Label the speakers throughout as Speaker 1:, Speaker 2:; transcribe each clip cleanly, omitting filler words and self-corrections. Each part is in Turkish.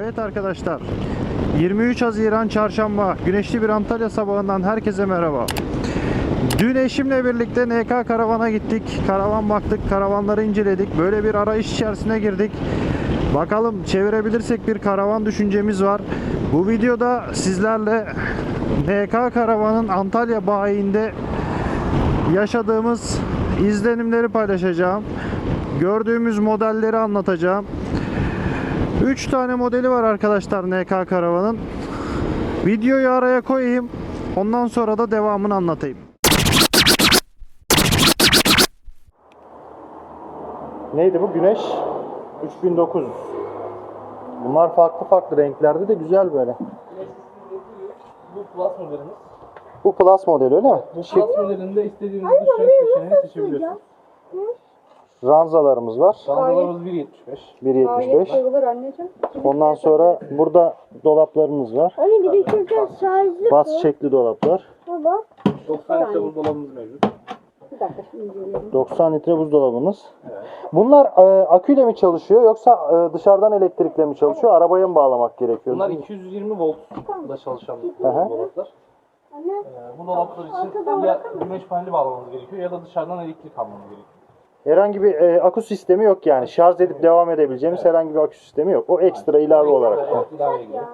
Speaker 1: Evet arkadaşlar, 23 Haziran Çarşamba güneşli bir Antalya sabahından herkese merhaba. Dün eşimle birlikte NK Karavan'a gittik. Karavan baktık, karavanları inceledik. Böyle bir arayış içerisine girdik. Bakalım çevirebilirsek bir karavan düşüncemiz var. Bu videoda sizlerle NK Karavan'ın Antalya bayiinde yaşadığımız izlenimleri paylaşacağım. Gördüğümüz modelleri anlatacağım. 3 tane modeli var arkadaşlar NK Karavan'ın. Videoyu araya koyayım. Ondan sonra da devamını anlatayım. Neydi bu? Güneş 3900. Bunlar farklı farklı renklerde de güzel böyle.
Speaker 2: Bu Plus modelimiz.
Speaker 1: Bu Plus modeli öyle mi?
Speaker 2: Bu Plus modelinde istediğiniz dış renk seçeneğini seçebiliyorsunuz.
Speaker 1: Ranzalarımız var.
Speaker 2: Ranzalarımız 1.75.
Speaker 1: 1.75. Ondan sonra burada dolaplarımız var.
Speaker 3: Anne bir de şurada şarjlı
Speaker 1: Bas çekli dolaplar.
Speaker 3: baba.
Speaker 2: 90 litre buzdolabımız mevcut.
Speaker 3: Bir dakika şimdi inceleyelim.
Speaker 1: 90 litre buzdolabımız.
Speaker 2: Evet.
Speaker 1: Bunlar aküyle mi çalışıyor yoksa dışarıdan elektrikle mi çalışıyor? Arabaya mı bağlamak gerekiyor?
Speaker 2: Bunlar 220 voltla çalışan
Speaker 1: Aha.
Speaker 2: dolaplar.
Speaker 3: Anne
Speaker 2: Bu dolaplar için ya güneş paneli bağlamanız gerekiyor ya da dışarıdan elektrik almanız gerekiyor.
Speaker 1: Herhangi bir akü sistemi yok yani. Şarj edip devam edebileceğimiz herhangi bir akü sistemi yok. O ekstra ilave olarak.
Speaker 2: Evet, ilave geliyor.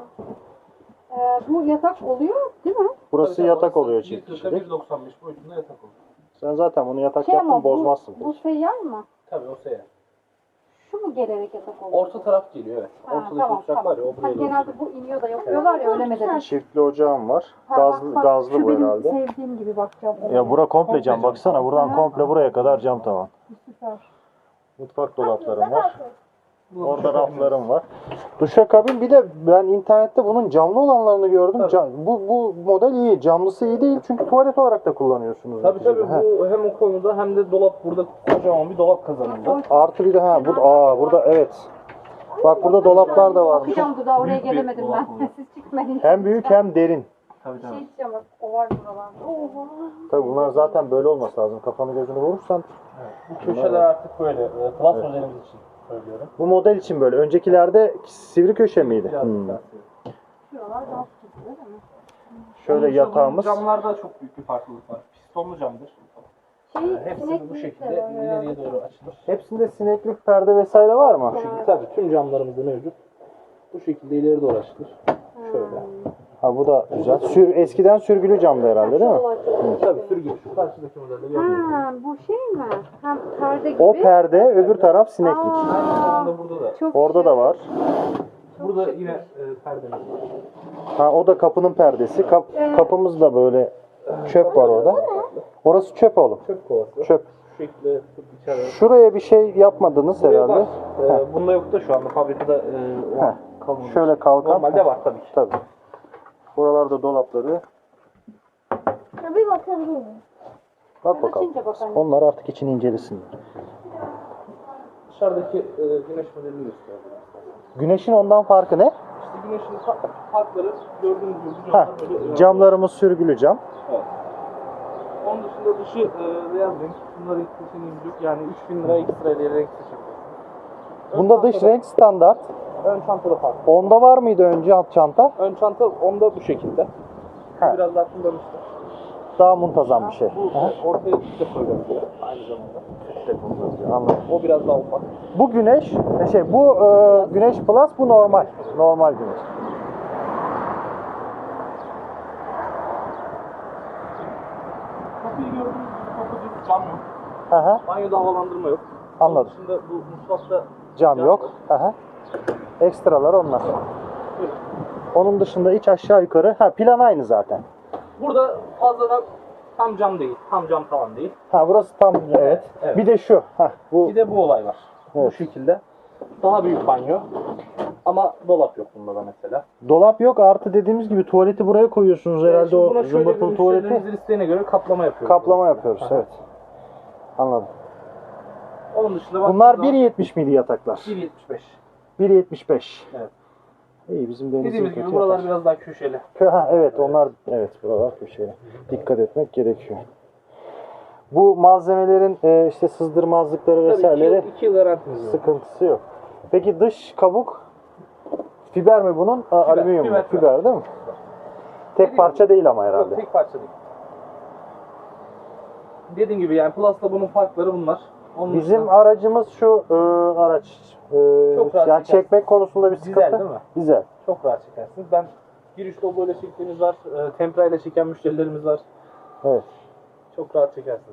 Speaker 3: bu yatak oluyor değil mi?
Speaker 1: Burası
Speaker 2: Tabii,
Speaker 1: yatak
Speaker 2: tabii,
Speaker 1: oluyor
Speaker 2: 1.40'a
Speaker 1: çiftlik.
Speaker 2: 1.95 boyutunda yatak oluyor.
Speaker 1: Sen zaten bunu yatak
Speaker 3: Şey
Speaker 1: yaptın
Speaker 3: ama
Speaker 1: bozmazsın.
Speaker 3: bu seyyar mı?
Speaker 2: Tabii o seyyar.
Speaker 3: Şu mu gelerek yatak oluyor?
Speaker 2: Orta taraf geliyor evet. Ortadaki
Speaker 3: tamam,
Speaker 2: uçak var ya o buraya doğru
Speaker 3: genelde
Speaker 2: geliyor.
Speaker 3: bu iniyor da yapıyorlar ya öyle mi dedim?
Speaker 1: Çiftli ocağım var.
Speaker 3: Bak,
Speaker 1: Gazlı
Speaker 3: şu
Speaker 1: bu
Speaker 3: benim
Speaker 1: herhalde.
Speaker 3: sevdiğim gibi bakacağım.
Speaker 1: Ya bura komple cam baksana. Buradan
Speaker 3: Aha.
Speaker 1: komple buraya kadar cam tavan.
Speaker 3: Süper.
Speaker 1: Mutfak dolaplarım var.
Speaker 2: Bu
Speaker 1: Orada
Speaker 2: duşakabin.
Speaker 1: raflarım var. Duşakabin bir de ben internette bunun camlı olanlarını gördüm. Bu model iyi. Camlısı iyi değil çünkü tuvalet olarak da kullanıyorsunuz.
Speaker 2: Tabii tabii
Speaker 1: He.
Speaker 2: bu hem o konuda hem de dolap burada kocaman bir dolap kazanında.
Speaker 1: Artı bir de burada evet. Bak burada dolaplar da varmış.
Speaker 3: Bakacağım da oraya
Speaker 2: Büyük bir
Speaker 3: gelemedim
Speaker 2: dolap
Speaker 3: ben.
Speaker 2: oluyor.
Speaker 3: Siz çıkmayın.
Speaker 1: Hem büyük hem derin.
Speaker 2: Tabii tabii.
Speaker 3: Şey diyeceğim bak o var buralarda. Oha.
Speaker 1: Tabii bunlar zaten böyle olması lazım. Kafanı gözünü vurursan.
Speaker 2: Bu köşeler artık böyle Plus modelimiz için söylüyorum.
Speaker 1: Bu model için böyle. Öncekilerde sivri köşe miydi?
Speaker 2: Biraz daha.
Speaker 3: Şuralar dans tutuyor değil mi?
Speaker 1: Şöyle
Speaker 2: Onun
Speaker 1: yatağımız.
Speaker 2: Camlarda çok büyük bir farklılık var. Pistonlu camdır. Hepsi bu şekilde ileriye doğru açılır.
Speaker 1: Hepsinde sineklik perde vesaire var mı?
Speaker 2: Tabii tüm camlarımızda mevcut. Bu şekilde ileri doğru açılır. Şöyle.
Speaker 1: Ha bu da güzel. Eskiden sürgülü camdı herhalde değil mi?
Speaker 2: Tabii sürgü. Şu karşıdaki modelleri yapıyoruz.
Speaker 3: Ha, bu şey mi? Hem perde gibi.
Speaker 1: O perde, öbür taraf sineklik.
Speaker 2: Aynı zamanda burada da.
Speaker 3: Çok
Speaker 1: Orada da var.
Speaker 2: Burada yine perdemiz var.
Speaker 1: Ha o da kapının perdesi. Kapımız da böyle çöp var orada. Orası çöp oğlum.
Speaker 2: Çöp kovası.
Speaker 1: Çöp.
Speaker 2: Şu şekilde tutup içeri.
Speaker 1: Şuraya bir şey yapmadınız
Speaker 2: Buraya
Speaker 1: herhalde.
Speaker 2: var. Bunda yok da şu anda fabrikada o an kalmamış.
Speaker 1: Şöyle kalkan.
Speaker 2: Normalde var tabii ki.
Speaker 1: Tabii. Buralarda dolapları.
Speaker 3: Bir bakabilir miyim?
Speaker 1: Bak bakalım.
Speaker 3: Açınca bakalım.
Speaker 1: Onlar artık içini incelesinler.
Speaker 2: Dışarıdaki güneş modelini göstereyim.
Speaker 1: Güneşin ondan farkı ne?
Speaker 2: İşte güneşin farkları gördüğünüz gibi
Speaker 1: Ha,
Speaker 2: camlar böyle.
Speaker 1: camlarımız sürgülü cam.
Speaker 2: Evet. Onun dışında dışı beyaz renk. Bunları seçeneğimiz yok. Yani 3000 lira ekstra ile renk seçebilirsiniz.
Speaker 1: Bunda dış renk standart.
Speaker 2: Ön çantada farklı.
Speaker 1: Onda var mıydı önce alt çanta?
Speaker 2: Ön çanta onda bu şekilde.
Speaker 1: Ha.
Speaker 2: Biraz daha kullanışlı.
Speaker 1: Daha muntazam bir şey.
Speaker 2: Bu ortaya de koyabiliyor aynı zamanda.
Speaker 1: Anladım.
Speaker 2: O biraz daha ufak.
Speaker 1: Bu güneş, bu güneş plus, bu normal. Normal güneş.
Speaker 2: Kapıyı gördüğünüz gibi kapı düz cam yok.
Speaker 1: Aha,
Speaker 2: Banyoda havalandırma yok.
Speaker 1: anladım.
Speaker 2: Onun dışında bu mutfakta
Speaker 1: Cam yok. Aha. Ekstralar onlar. Onun dışında iç aşağı yukarı. Ha, plan aynı zaten.
Speaker 2: burada fazladan tam cam değil. Tam cam tavan değil.
Speaker 1: Ha, burası tam evet.
Speaker 2: Evet.
Speaker 1: Bir de şu. Ha, bu
Speaker 2: Bir de bu olay var. Bu
Speaker 1: Evet.
Speaker 2: şekilde. Daha büyük banyo. Ama dolap yok bunda da mesela.
Speaker 1: dolap yok. Artı dediğimiz gibi tuvaleti buraya koyuyorsunuz herhalde,
Speaker 2: Şimdi
Speaker 1: o
Speaker 2: buna şöyle bir
Speaker 1: zımbırtılı tuvaleti.
Speaker 2: müşterilerimizin isteğine göre kaplama yapıyoruz.
Speaker 1: Kaplama yapıyoruz, evet. Anladım.
Speaker 2: Onun dışında
Speaker 1: Bunlar 1.70 miydi yataklar?
Speaker 2: 1.75.
Speaker 1: 1.75.
Speaker 2: Evet.
Speaker 1: İyi, bizim denizin
Speaker 2: Dediğimiz gibi
Speaker 1: kötü
Speaker 2: buralar
Speaker 1: yatar.
Speaker 2: biraz daha köşeli.
Speaker 1: Ha, evet onlar, evet buralar köşeli. Dikkat etmek gerekiyor. Bu malzemelerin işte sızdırmazlıkları
Speaker 2: Tabii
Speaker 1: vesaireleri
Speaker 2: 2 yıl garantimiz var.
Speaker 1: sıkıntısı yok. Peki dış kabuk Fiber mi bunun? Alüminyum mu?
Speaker 2: fiber.
Speaker 1: Fiber değil mi? Tek parça değil ama
Speaker 2: Yok,
Speaker 1: herhalde.
Speaker 2: tek parça değil. Dediğim gibi yani Plus'la bunun farkları bunlar. Onun
Speaker 1: Bizim
Speaker 2: dışında
Speaker 1: aracımız şu araç.
Speaker 2: Çok rahat
Speaker 1: Yani
Speaker 2: çekersin.
Speaker 1: çekmek konusunda bir sıkıntı.
Speaker 2: Dizel değil mi?
Speaker 1: Dizel.
Speaker 2: çok rahat çekersiniz. Ben giriş dobloyla çektiğimiz var, tempra ile çeken müşterilerimiz var.
Speaker 1: Evet.
Speaker 2: Çok rahat çekersiniz.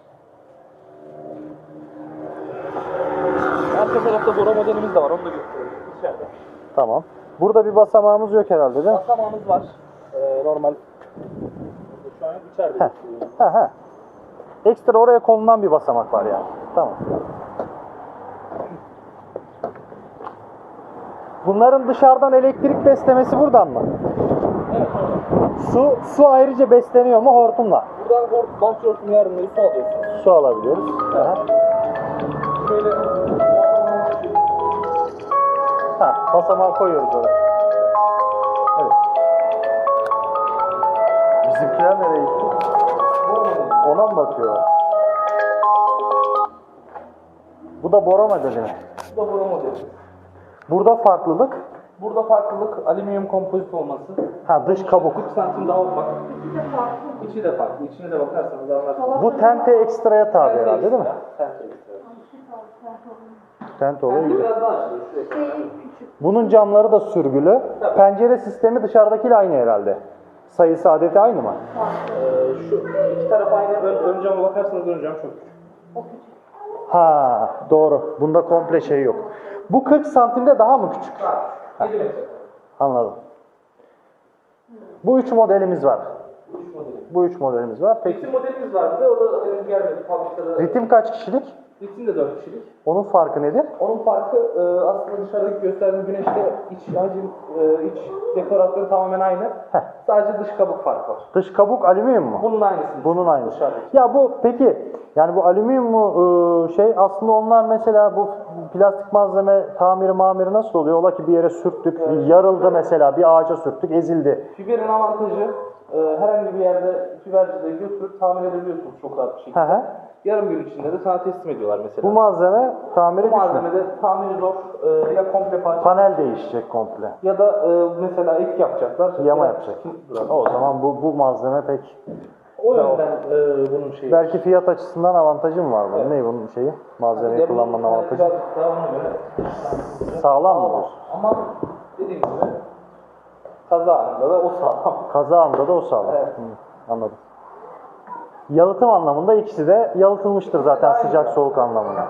Speaker 2: Arka tarafta Bora modelimiz de var, onu da göstereyim. İçeride.
Speaker 1: Tamam. Burada bir basamağımız yok herhalde değil mi?
Speaker 2: Basamağımız var. Normal. Şu an içeride.
Speaker 1: Heh. Ha. Ekstra oraya konulan bir basamak var yani. Tamam. Bunların dışarıdan elektrik beslemesi buradan mı?
Speaker 2: Evet.
Speaker 1: Su ayrıca besleniyor mu hortumla?
Speaker 2: Buradan bahçe hortumu yardımıyla su alıyorsunuz.
Speaker 1: Su alabiliyoruz. Aha.
Speaker 2: Şöyle
Speaker 1: Basamağı koyuyoruz oraya. Evet. Bizimkiler nereye gitti? Ona mı bakıyorlar? Bu da Bora modeli mi?
Speaker 2: bu da Bora modeli.
Speaker 1: Burada farklılık.
Speaker 2: Burada farklılık alüminyum kompozit olması.
Speaker 1: Dış kabuk.
Speaker 2: 40 santim daha ufak. İçi de farklı. İçine de bakarsanız anlarsınız.
Speaker 1: Bu tente ekstraya tabi herhalde değil mi?
Speaker 2: Tente ekstra.
Speaker 1: Tente oluyor
Speaker 2: Tente
Speaker 1: güzel.
Speaker 2: biraz daha açılıyor. Şuraya.
Speaker 1: Bunun camları da sürgülü. Pencere sistemi dışarıdakiyle aynı herhalde. Sayısı adeti aynı mı?
Speaker 2: Şu iki taraf aynı. Ön cama bakarsanız ön cam çok küçük.
Speaker 1: Doğru. Bunda komple şey yok. Bu 40 santimde daha mı küçük?
Speaker 2: 7 metre.
Speaker 1: Anladım. Bu 3 modelimiz var.
Speaker 2: 3 modeli.
Speaker 1: Bu 3 modelimiz var. Peki
Speaker 2: Ritim modelimiz vardı. O da henüz gelmedi. Fabrikada.
Speaker 1: ritim kaç kişilik?
Speaker 2: Ritim de 4 kişilik.
Speaker 1: Onun farkı nedir?
Speaker 2: Onun farkı aslında dışarıdaki gösterdiğim güneşte iç hacim, iç dekorasyon tamamen aynı. Sadece dış kabuk farkı var.
Speaker 1: Dış kabuk alüminyum mu?
Speaker 2: Bunun aynısı.
Speaker 1: Bunun aynısı.
Speaker 2: Dışarıdaki.
Speaker 1: Ya bu peki yani bu alüminyum mu aslında onlar mesela bu plastik malzeme tamiri nasıl oluyor? Ola ki bir yere sürttük, yarıldı mesela bir ağaca sürttük, ezildi.
Speaker 2: Fiberin avantajı herhangi bir yerde fibercide götürüp tamir edebiliyorsunuz çok rahat bir şekilde. Yarım gün içinde de sana teslim ediyorlar mesela.
Speaker 1: Bu malzeme tamiri
Speaker 2: Bu
Speaker 1: güçlü.
Speaker 2: malzemede tamiri zor, ya komple parça
Speaker 1: Panel değişecek komple.
Speaker 2: ya da mesela ek yapacaklar.
Speaker 1: Yama yapacak. O zaman bu malzeme pek
Speaker 2: O yönden bunun şeyi.
Speaker 1: belki fiyat açısından avantajı mı var bunun?
Speaker 2: Evet.
Speaker 1: Ne bunun şeyi? Malzemeyi
Speaker 2: Ya bu
Speaker 1: kullanmanın avantajı.
Speaker 2: birazcık daha ona göre
Speaker 1: Sağlam mı diyorsun?
Speaker 2: Ama dediğim gibi kaza anında da o sağlam.
Speaker 1: Kaza anında da o sağlam.
Speaker 2: Evet.
Speaker 1: Anladım. Yalıtım anlamında ikisi de yalıtılmıştır zaten sıcak soğuk anlamında.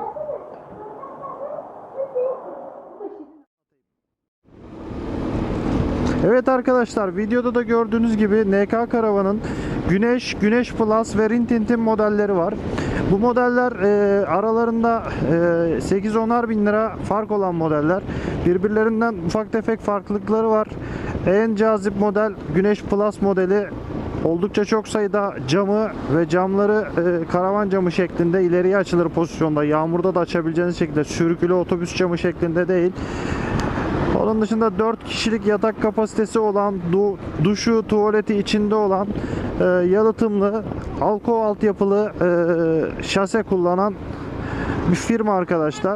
Speaker 1: Evet arkadaşlar, videoda da gördüğünüz gibi NK Karavan'ın Güneş Plus ve Rintintin modelleri var. Bu modeller aralarında 8-10'ar bin lira fark olan modeller. Birbirlerinden ufak tefek farklılıkları var. En cazip model Güneş Plus modeli. Oldukça çok sayıda camı ve camları karavan camı şeklinde ileriye açılır pozisyonda. Yağmurda da açabileceğiniz şekilde, sürgülü otobüs camı şeklinde değil. Onun dışında 4 kişilik yatak kapasitesi olan, duşu, tuvaleti içinde olan, yalıtımlı, Alko altyapılı şase kullanan bir firma arkadaşlar.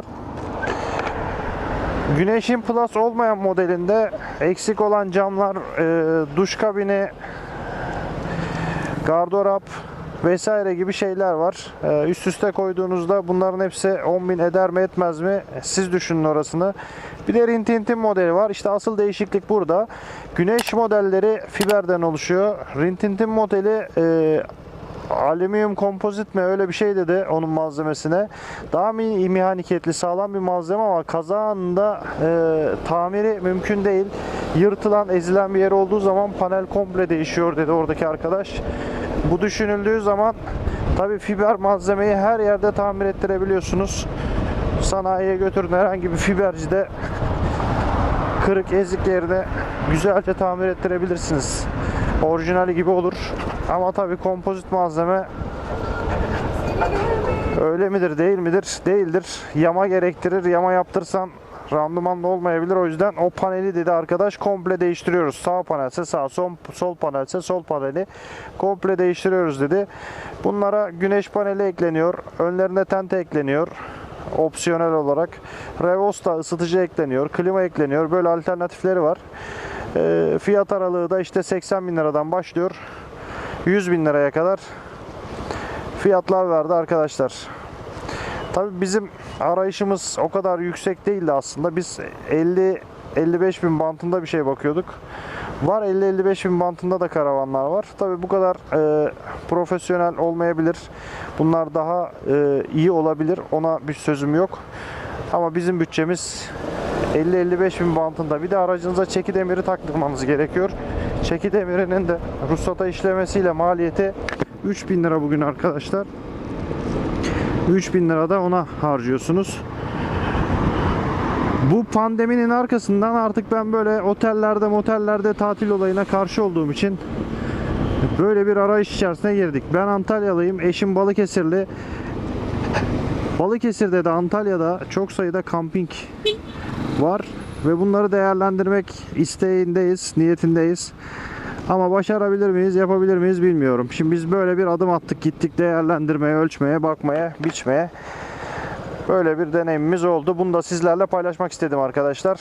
Speaker 1: Güneş'in Plus olmayan modelinde eksik olan camlar, duş kabini, gardırop vesaire gibi şeyler var. Üst üste koyduğunuzda bunların hepsi 10.000 eder mi etmez mi? Siz düşünün orasını. Bir de Rintintin modeli var. İşte asıl değişiklik burada. Güneş modelleri fiberden oluşuyor. Rintintin modeli alüminyum kompozit mi öyle bir şey dedi onun malzemesine. Daha mehaniketli, sağlam bir malzeme ama kaza anında tamiri mümkün değil. Yırtılan, ezilen bir yer olduğu zaman panel komple değişiyor dedi oradaki arkadaş. Bu düşünüldüğü zaman tabii fiber malzemeyi her yerde tamir ettirebiliyorsunuz. Sanayiye götürün, herhangi bir fibercide kırık ezik yerine güzelce tamir ettirebilirsiniz. Orijinali gibi olur. Ama tabii kompozit malzeme öyle midir değil midir? Değildir. Yama gerektirir. Yama yaptırsan randımanlı olmayabilir. O yüzden o paneli dedi arkadaş komple değiştiriyoruz. Sağ panelse sağ, sol panelse sol paneli komple değiştiriyoruz dedi. Bunlara güneş paneli ekleniyor. Önlerine tente ekleniyor. opsiyonel olarak. Revosta ısıtıcı ekleniyor, klima ekleniyor. Böyle alternatifleri var. Fiyat aralığı da işte 80 bin liradan başlıyor. 100 bin liraya kadar fiyatlar verdi arkadaşlar. Tabii bizim arayışımız o kadar yüksek değildi aslında. Biz 50-55 bin bantında bir şey bakıyorduk. Var 50-55 bin bantında da karavanlar var. Tabii bu kadar profesyonel olmayabilir. Bunlar daha iyi olabilir. Ona bir sözüm yok. Ama bizim bütçemiz 50-55 bin bantında. Bir de aracınıza çeki demiri taktırmanız gerekiyor. Çeki demirinin de ruhsata işlemesiyle maliyeti 3000 lira bugün arkadaşlar. 3000 lira da ona harcıyorsunuz. Bu pandeminin arkasından artık ben böyle motellerde tatil olayına karşı olduğum için böyle bir arayış içerisine girdik. Ben Antalyalıyım. Eşim Balıkesirli. Balıkesir'de de Antalya'da çok sayıda kamping var ve bunları değerlendirmek isteğindeyiz, niyetindeyiz. Ama başarabilir miyiz, yapabilir miyiz bilmiyorum. Şimdi biz böyle bir adım attık, gittik değerlendirmeye, ölçmeye, bakmaya, biçmeye. Böyle bir deneyimimiz oldu. Bunu da sizlerle paylaşmak istedim arkadaşlar.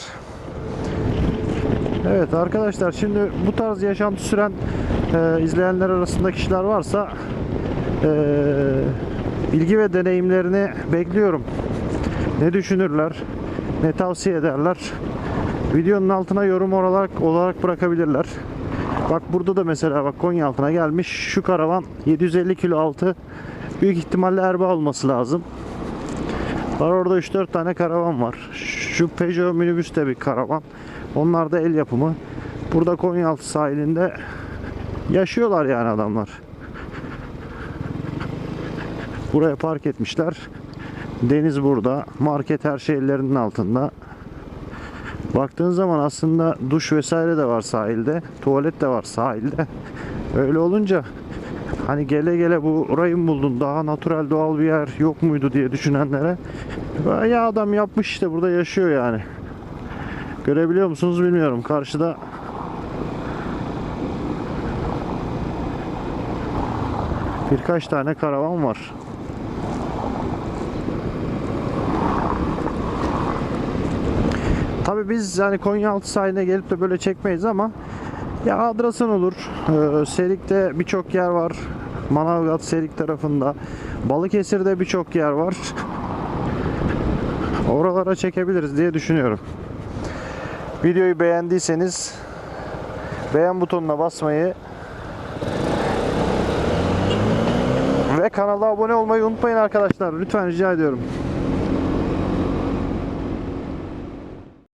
Speaker 1: Evet arkadaşlar, şimdi bu tarz yaşantı süren izleyenler arasında kişiler varsa bilgi ve deneyimlerini bekliyorum. Ne düşünürler, ne tavsiye ederler. Videonun altına yorum olarak bırakabilirler. Bak burada da mesela bak Konyaaltı'na gelmiş. Şu karavan 750 kilo altı. Büyük ihtimalle Erbaa olması lazım. Var orada 3-4 tane karavan var. Şu Peugeot minibüs de bir karavan. Onlar da el yapımı. Burada Konyaaltı sahilinde yaşıyorlar yani adamlar. Buraya park etmişler. Deniz burada. Market her şey ellerinin altında. Baktığın zaman aslında duş vesaire de var sahilde. Tuvalet de var sahilde. Öyle olunca hani gele gele burayı mı buldun, daha natürel doğal bir yer yok muydu diye düşünenlere, ya adam yapmış işte, burada yaşıyor yani. Görebiliyor musunuz bilmiyorum. Karşıda birkaç tane karavan var. Tabii biz yani Konyaaltı sahiline gelip de böyle çekmeyiz ama ya Adrasan olur. Serik'te birçok yer var. Manavgat, Serik tarafında. Balıkesir'de birçok yer var. Oralara çekebiliriz diye düşünüyorum. Videoyu beğendiyseniz beğen butonuna basmayı ve kanala abone olmayı unutmayın arkadaşlar. Lütfen rica ediyorum.